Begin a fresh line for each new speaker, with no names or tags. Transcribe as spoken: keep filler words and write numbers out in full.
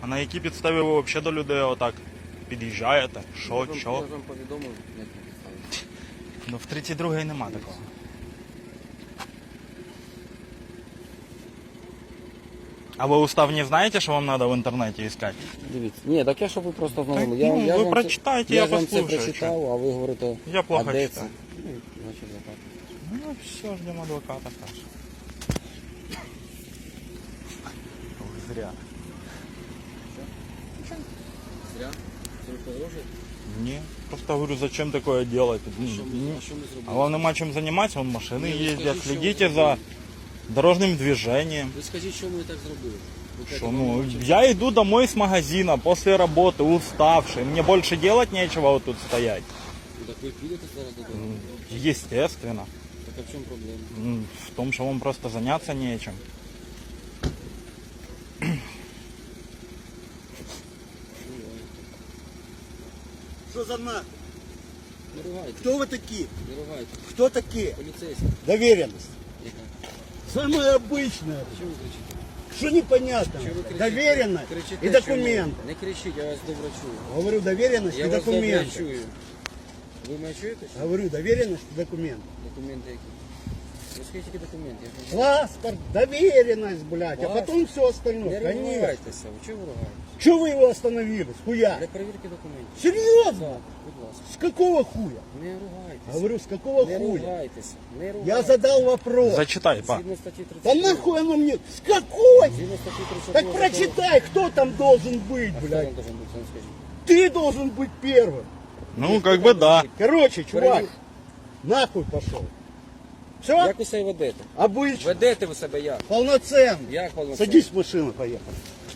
на якій підставі ви взагалі до людей отак під'їжджаєте? Що,
Я вам-
що?
Я вам повідомив, як не підставити.
Ну в тридцять другій нема такого. А ви устав не знаєте, що вам треба в інтернеті іскати?
Дивіться. Ні, так я щоб ви просто знали.
Так,
Я,
ну,
я
ви
вам
прочитайте,
це,
я
я вам це
послухаю,
прочитав, а ви говорите,
Я плохо
а де
читаю.
це? Ну, значить, так.
Ну все, ждемо адвоката, каже. Ой, зря.
Зря. Це ви погрожуєте?
Ні. Просто говорю, зачем такое делать?
А що ми, а що ми
А
зробили?
вам нема чим займатися, вон машини
Ні, ви
їздять,
скажіть, що
следите
ви
за
зробили.
дорожним движением.
Ви скажіть, що ми так зробили? Ви кажете,
Что,
вам
ну,
нема чим
я иду домой с магазина после работы, уставший. Мне больше делать нечего вот тут стоять.
Ну, так ви підете зараз додому?
Естественно.
Так а в чому проблема?
М, В том, что вам просто заняться нечем.
Что за нахуй?
Не ругайте,
Кто вы такие?
не ругайте.
Кто такие?
Поліцейський.
Доверенность.
Яка?
Самое обычное.
Чого ви кричите?
Что непонятно?
Чого ви кричите?
Доверенность
Кричите,
и
чому?
документы.
Не кричіть, я вас добре чую.
Говорю, доверенность
Я
и
вас добре
документы.
чую. Ви мене чуєте? Чи?
Говорю, доверенность и документы.
Документи які? Ви скажіть, які документи? Я ж не знаю.
Паспорт, доверенность, блядь, а
Паспорт?
потом все остальное.
Не
Конечно.
ругайтеся, ви чого ви ругаєтеся?
Чего вы его остановили? С хуя?
Для перевірки документів.
Серьезно?
Так, будь ласка.
С какого хуя?
Не ругайтеся.
Говорю, с какого
Не
хуя?
ругайтеся. Не
Я
ругайтеся.
задал вопрос.
Зачитай, па.
Згідно статті тридцять.
Да нахуй оно мне? С какой?
Згідно статті тридцять.
Так прочитай, кто там должен быть,
А хто
блядь.
вам должен бути, це скажіть?
Ты должен быть первым.
Ну, как бы да.
Короче, чувак,
Перевір.
нахуй пошел. Все?
Як ви себе ведете?
Обычно.
Ведете ви себе як?
Полноценно.
Як полноценно?
Садись в машину, поехали.